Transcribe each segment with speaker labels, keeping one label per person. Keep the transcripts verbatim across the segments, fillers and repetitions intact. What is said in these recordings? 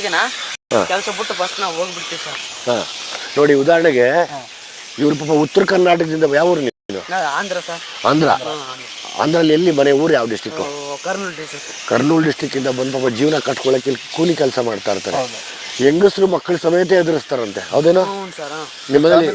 Speaker 1: ಕೆಲಸ ಬಿಟ್ಟು ಫಸ್ಟ್ ನಾವು ಹೋಗ್ಬಿಡ್ತೀವಿ ಸರ್.
Speaker 2: ಹಾಂ ನೋಡಿ, ಉದಾಹರಣೆಗೆ ಇವ್ರ ಪಾಪ ಉತ್ತರ ಕರ್ನಾಟಕದಿಂದ ಯಾವ ಊರು ನೀವು?
Speaker 1: ಆಂಧ್ರ ಸರ್.
Speaker 2: ಆಂಧ್ರ. ಆಂಧ್ರಲ್ಲಿ ಎಲ್ಲಿ ಮನೆ? ಊರು ಯಾವ ಡಿಸ್ಟಿಕ್ಕು?
Speaker 1: ಕರ್ನೂಲ್ ಡಿಸ್ಟಿಕ್.
Speaker 2: ಕರ್ನೂಲ್ ಡಿಸ್ಟಿಕ್ಕಿಂದ ಬಂದು ಪಾಪ ಜೀವನ ಕಟ್ಕೊಳ್ಳೋಕೆ ಕೂಲಿ ಕೆಲಸ ಮಾಡ್ತಾ ಇರ್ತಾರೆ. ಹೆಂಗಸರು ಮಕ್ಕಳ ಸಮೇತ ಎದುರಿಸ್ತಾರಂತೆ, ಹೌದೇನೋ? ನಿಮ್ಮಲ್ಲಿ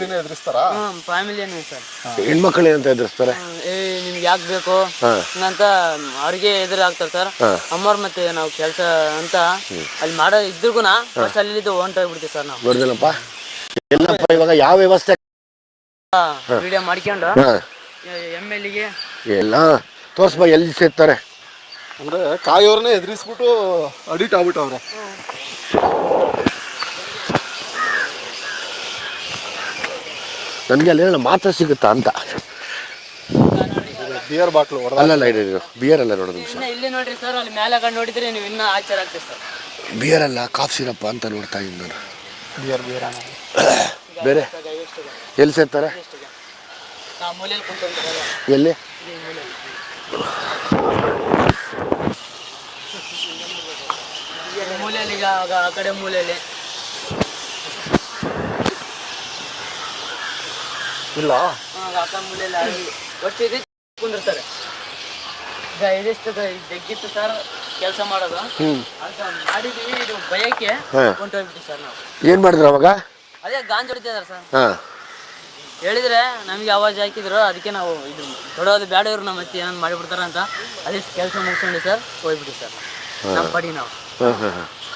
Speaker 2: ಹೆಣ್ಮಕ್ಳು ಏನಂತ ಎದುರಿಸ್ತಾರೆ?
Speaker 1: ನಿಮ್ಗೆ ಯಾಕೆ ಬೇಕು ಅಂತ ಅವ್ರಿಗೆ ಎದುರಾಗ್ತಾರೆ ಸರ್. ಅಮ್ಮವ್ರ ಮತ್ತೆ ನಾವು ಕೆಲಸ ಅಂತ ಅಲ್ಲಿ ಮಾಡೋ ಇದ್ರಿಗೂ ಅಲ್ಲಿ ಹೊಂಟೋಗ್ಬಿಡ್ತೀವಿ ಸರ್ ನಾವು.
Speaker 2: ನೋಡಿದನಪ್ಪ ಎಲ್ಲಪ್ಪ, ಇವಾಗ ಯಾವ ವ್ಯವಸ್ಥೆ
Speaker 1: ವಿಡಿಯೋ ಮಾಡ್ಕೊಂಡು ಎಮ್ ಎಲ್ ಎಗೆ
Speaker 2: ಎಲ್ಲ ತೋರ್ಸ್ಬ ಎಲ್ಲಿ ಸೇರ್ತಾರೆ
Speaker 3: ಅಂದ್ರೆ ಕಾಯೋರ್ನೇ ಎದುರಿಸ್ಬಿಟ್ಟು ಅಡಿಟ್ ಆಗ್ಬಿಟ್ಟವ್ರೆ.
Speaker 2: ನನಗೆ ಅಲ್ಲಿ ಮಾತ್ರ ಸಿಗುತ್ತಾ ಅಂತ.
Speaker 3: ಬಿಯರ್ ಬಾಟ್ಲು
Speaker 2: ಅಲ್ಲಲ್ಲ, ಇದು ಬಿಯರ್ ಅಲ್ಲ ನೋಡೋದು ನಿಮಿಷ.
Speaker 1: ಇಲ್ಲಿ ನೋಡ್ರಿ ಸರ್, ಅಲ್ಲಿ ಮೇಲೆ ಕಂಡು ನೋಡಿದ್ರೆ ನೀವು ಇನ್ನೂ ಆಶ್ಚರ್ಯ ಆಗ್ತೀವಿ ಸರ್.
Speaker 2: ಬಿಯರ್ ಅಲ್ಲ, ಕಾಫ್ ಸಿರಪ್ಪ ಅಂತ ನೋಡ್ತಾ ಇದ್ದೀನಿ ನಾನು.
Speaker 3: ಬಿಯರ್ ಬಿಯರ್
Speaker 2: ಬೇರೆ ಎಲ್ಲಿ ಸೇರ್ತಾರೆ? ಎಲ್ಲಿ?
Speaker 1: ಮೂಲೆಯಲ್ಲಿ, ಆ ಕಡೆ ಮೂಲೆಯಲ್ಲಿ
Speaker 3: ಇಲ್ಲ,
Speaker 1: ಮೂಲೆಯಲ್ಲಿ ಒಟ್ಟು ಇದೆ ಕುಂದಿರ್ತಾರೆ. ಇದಿಷ್ಟು ಜಗ್ಗಿತ್ತು ಸರ್ ಕೆಲಸ ಮಾಡೋದು ಅಂತ ಮಾಡಿದೀವಿ. ಇದು ಭಯಕ್ಕೆ ಹೊಂಟೋಗ್ಬಿಟ್ಟು ಸರ್ ನಾವು.
Speaker 2: ಏನ್ ಮಾಡಿದ್ರು ಅವಾಗ?
Speaker 1: ಅದೇ ಗಾಂಜ್ ಹೊಡಿತಿದಾರೆ ಸರ್. ಹೇಳಿದ್ರೆ ನಮಗೆ ಆವಾಜ್ ಹಾಕಿದ್ರು, ಅದಕ್ಕೆ ನಾವು ಇದು ತೊಡೋದು ಬೇಡ, ಇವ್ರು ನಮ್ಮ ಮತ್ತೆ ಏನಾದ್ರು ಮಾಡಿಬಿಡ್ತಾರ ಅಂತ ಅದಿಷ್ಟು ಕೆಲಸ ಮುಗಿಸ್ಕೊಂಡು ಸರ್ ಹೋಗ್ಬಿಟ್ಟು ಸರ್ ನಮ್ಮ ಪಡಿ ನಾವು.